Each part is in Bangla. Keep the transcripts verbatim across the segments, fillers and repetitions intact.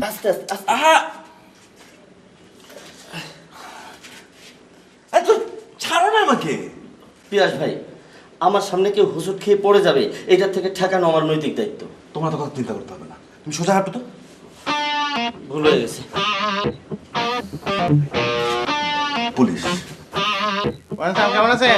আস্তে আস্তে আস্তে আহা এত ছাড়ো না আমাকে। পিয়াস ভাই, আমার সামনে কেউ হুজুট খেয়ে পড়ে যাবে, এটার থেকে ঠেকানো আমার নৈতিক দায়িত্ব। তোমার তো কথা চিন্তা করতে হবে না, তুমি সোজা হাঁটো তো। ভুল হয়ে গেছে। পুলিশ। কেমন আছেন?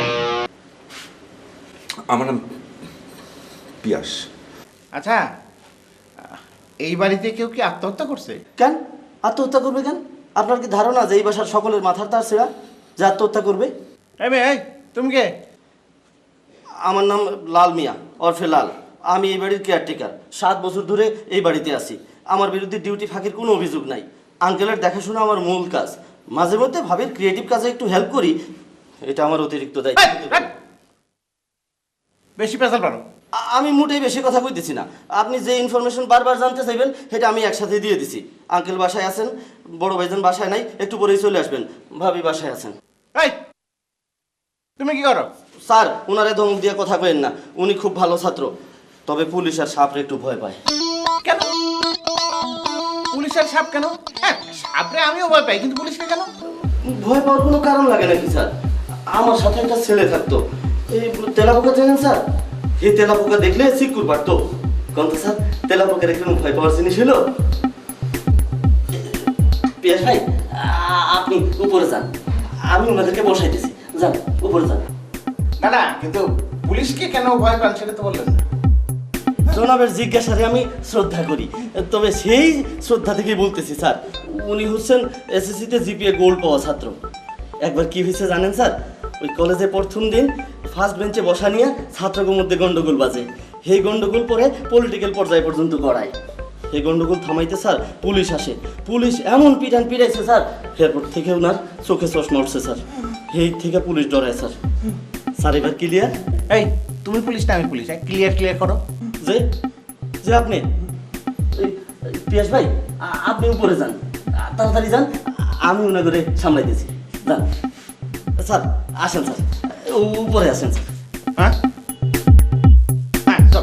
আমার নাম পিয়াস। আচ্ছা, এই বাড়িতে কেউ কি আত্মহত্যা করছে? কেন আত্মহত্যা করবে কেন? আপনার কি ধারণা যে এই বাসার সকলের মাথার তার ছেঁড়া যে আত্মহত্যা করবে? এই মেয়ে, এই তুমি কে? আমার নাম লাল মিয়া ওরফে লাল। আমি এই বাড়ির কেয়ারটেকার। সাত বছর ধরে এই বাড়িতে আছি। আমার বিরুদ্ধে ডিউটি ফাঁকির কোনো অভিযোগ নাই। আঙ্কেলের দেখাশোনা আমার মূল কাজ। মাঝে মধ্যে ভাবির ক্রিয়েটিভ কাজে একটু হেল্প করি, এটা আমার অতিরিক্ত দায়িত্ব। বেশি পেশাল পারো। আ- আমি মোটেই বেশি কথা কইতেছি না। আপনি যে ইনফরমেশন বারবার জানতে চাইবেন সেটা আমি একসাথে দিয়ে দিছি। আঙ্কেল বাসায় আছেন, বড় ভাইজান বাসায় নাই, একটু পরেই চলে আসবেন। ভাবি বাসায় আছেন। এই তুমি কি করো? স্যার, ওনারে ধমক দিয়ে কথা কইেন না, উনি খুব ভালো ছাত্র। তবে পুলিশ আর সাপরে একটু ভয় পায়। কেন পুলিশের সাপ কেন? হ্যাঁ, সাপরে আমিও ভয় পাই, কিন্তু পুলিশকে কেন? ভয় পাওয়ার কোনো কারণ লাগে নাকি স্যার? আমার সাথে একটা ছেলে থাকতো, এই তেলাপোকা জানেন স্যার? এই তেলাপোকা দেখলে সিকুর পারতো। কোন তো স্যার, তেলাপোকার কোনো ভয় পাওয়ার জিনিস হলো? পিয়াস ভাই, আ- আপনি উপরে যান, আমি ওনাদেরকে বসাইতেছি। যান উপরে যান। না না, কিন্তু পুলিশকে কেন ভয় পান সেটা তো বললেন না। জনাবের জিজ্ঞাসারে আমি শ্রদ্ধা করি, তবে সেই শ্রদ্ধা থেকেই বলতেছি স্যার, উনি হচ্ছেন এসএসসিতে জিপিএ গোল্ড পাওয়া ছাত্র। একবার কি হয়েছে জানেন স্যার? ওই কলেজে প্রথম দিন ফার্স্ট বেঞ্চে বসা নিয়ে ছাত্রদের মধ্যে গন্ডগোল বাজে। সেই গন্ডগোল পরে পলিটিক্যাল পর্যায় পর্যন্ত গড়ায়। সেই গন্ডগোল থামাইতে স্যার পুলিশ আসে। পুলিশ এমন পিটান পিটাইছে স্যার, এরপর থেকে ওনার চোখে চশমা উঠছে স্যার। সেই থেকে পুলিশ ডরায় স্যার। স্যার এবার ক্লিয়ার? এই তুমি পুলিশ না আমি পুলিশ, ক্লিয়ার ক্লিয়ার করো। যে যে আপনি এই, পিয়াস ভাই, আ- আপনি উপরে যান, আ- তাড়াতাড়ি যান, আমি মনে করে সামলাই দিয়েছি। যান স্যার, আসেন স্যার, উ- উপরে আসেন স্যার। হ্যাঁ হ্যাঁ চল।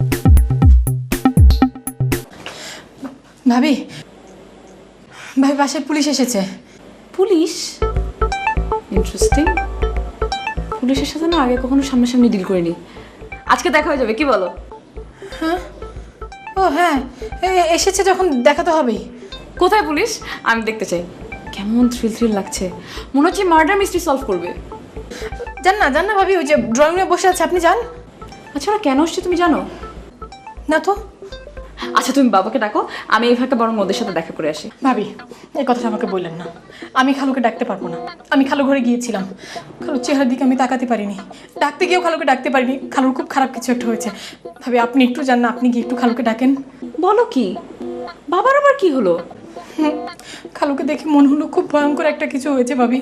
ভাবি ভাবি বাসায় পুলিশ এসেছে। পুলিশ? ইন্টারেস্টিং। পুলিশের সাথে না আগে কখনো সামনাসামনি ডিল করিনি, আজকে দেখা হয়ে যাবে, কি বলো? হ্যাঁ, ও হ্যাঁ, এ- এসেছে যখন দেখা তো হবেই। কোথায় পুলিশ? আমি দেখতে চাই। কেমন থ্রিল থ্রিল লাগছে, মনে হচ্ছে মার্ডার মিস্ট্রি সলভ করবে। যান না যান না ভাবি, ওই যে ড্রয়িং রুমে বসে আছে, আপনি যান। আচ্ছা ওরা কেন আসছে তুমি জানো? না তো। আচ্ছা তুমি বাবাকে ডাকো, আমি এই ফাঁকে বরং ওদের সাথে দেখা করে আসি। ভাবি এই কথাটা আমাকে বললেন না, আমি খালুকে ডাকতে পারবো না। আমি খালু ঘরে গিয়েছিলাম, খালুর চেহারার দিকে আমি তাকাতে পারিনি, ডাকতে গিয়েও খালুকে ডাকতে পারিনি। খালুর খুব খারাপ কিছু একটা হয়েছে। ভাবি আপনি একটু যান না, আপনি গিয়ে একটু খালুকে ডাকেন। বলো কি? বাবার আবার কি হলো? হুম, খালুকে দেখে মনে হলো খুব ভয়ঙ্কর একটা কিছু হয়েছে ভাবি।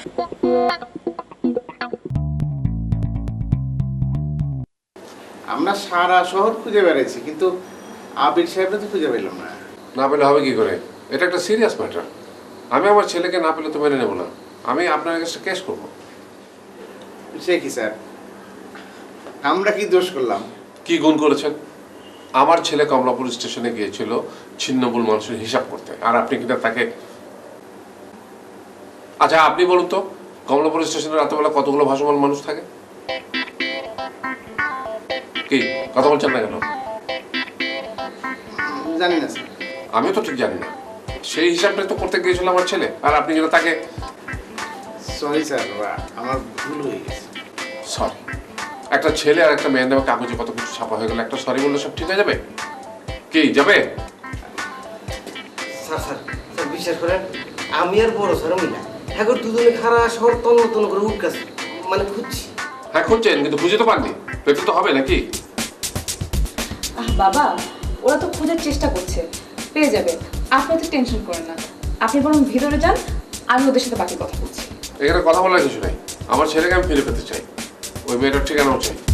আমরা সারা শহর খুঁজে বেড়াইছি, কিন্তু আবির সাহেবরা তো খুঁজে পেলাম না। না পেলে হবে কি করে? এটা একটা সিরিয়াস ম্যাটার। আমি আমার ছেলেকে না পেলে তো মেনে নেবো না, আমি আপনার কাছে কেস করবো। সে কি স্যার, আমরা কি দোষ করলাম? কি গুণ করেছেন? আমার ছেলে কমলাপুর স্টেশনে গিয়েছিল ছিন্নমূল মানুষের হিসাব করতে, আর আপনি কিনা তাকে... আচ্ছা আপনি বলুন তো, কমলাপুর স্টেশনে রাতেবেলা কতগুলো ভাসমান মানুষ থাকে? কি কথা বলছেন না কেন? জানি না স্যার। আমিও তো ঠিক জানি না, সেই হিসাবটা তো করতে গিয়েছিল আমার ছেলে, আর আপনি কিনা তাকে... সরি স্যার, আমার ভুল হয়ে গেছে। সরি? একটা ছেলে আর একটা মেয়ের নামে কাগজে কত কিছু ছাপা হয়ে গেল, একটা সরি বললে সব ঠিক হয়ে যাবে? কি যাবে? স্যার স্যার স্যার বিশ্বাস করেন, আমি আর বড় স্যার আমি না, এখন দুজনে খারা শহর তন্ন তন্ন করে উঠকাস মানে খুঁজছি। হ্যাঁ খুঁজছেন, কিন্তু খুঁজে তো পাননি, পেতে তো হবে নাকি? আহ বাবা, ওরা তো খোঁজার চেষ্টা করছে, পেয়ে যাবে, আপনি তো টেনশন করেন না। আপনি বরং ভিতরে যান, আমি ওদের সাথে বাকি কথা বলছি। এখানে কথা বলার কিছু নাই, আমার ছেলেকে আমি ফিরে পেতে চাই, ওই মেয়েটার ঠিকানাও চাই।